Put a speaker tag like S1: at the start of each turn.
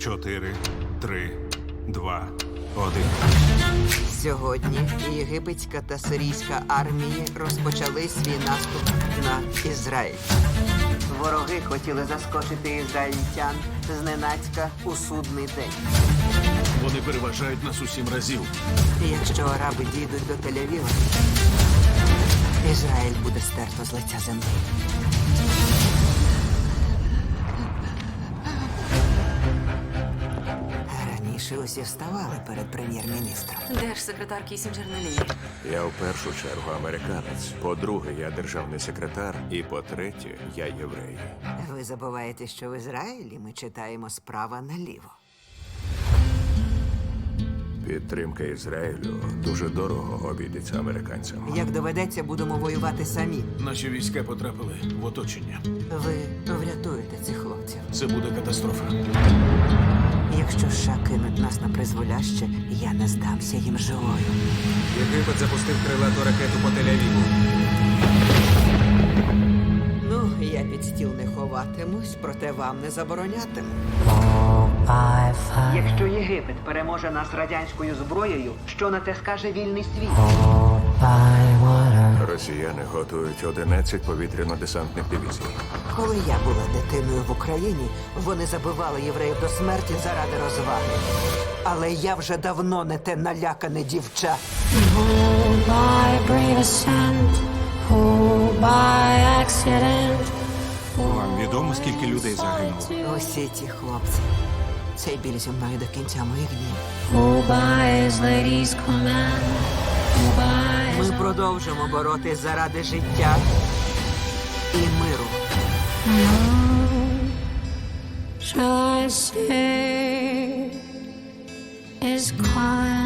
S1: 4, 3, 2, 1.
S2: Сьогодні єгипетська та сирійська армії розпочали свій наступ на Ізраїль. Вороги хотіли заскочити ізраїльтян зненацька у судний день.
S3: Вони переважають нас у 7 разів.
S2: І якщо араби дійдуть до Тель-Авіва, Ізраїль буде стерто з лиця землі. Раніше усі вставали перед прем'єр-міністром.
S4: Держсекретар Кісінджер на лінії.
S5: Я в першу чергу американець. По-друге, я державний секретар. І по-третє, я єврей.
S2: Ви забуваєте, що в Ізраїлі ми читаємо справа наліво.
S5: Підтримка Ізраїлю дуже дорого обійдеться американцям.
S2: Як доведеться, будемо воювати самі.
S3: Наші війська потрапили в оточення.
S2: Ви врятуєте цих хлопців.
S3: Це буде катастрофа.
S2: Якщо США кинуть нас на призволяще, я не здамся їм живою.
S6: Єгипет запустив крилату ракету по Тель-Авіву.
S2: Ну, я під стіл не ховатимусь, проте вам не заборонятиму. Якщо Єгипет переможе нас радянською зброєю, що на те скаже вільний світ?
S5: Росіяни готують 11 повітряно-десантних дивізій.
S2: Коли я була дитиною в Україні, вони забивали євреїв до смерті заради розваги. Але я вже давно не те налякане дівча.
S7: Hold by brave ascent, hold by accident.
S1: Вам відомо, скільки людей загинуло?
S2: Усі ті хлопці. Цей біль зі мною до кінця моїх днів.
S7: Hold by his lady's command, hold by his
S2: Ми продовжимо боротись заради життя і миру.
S7: Shall I say is quiet.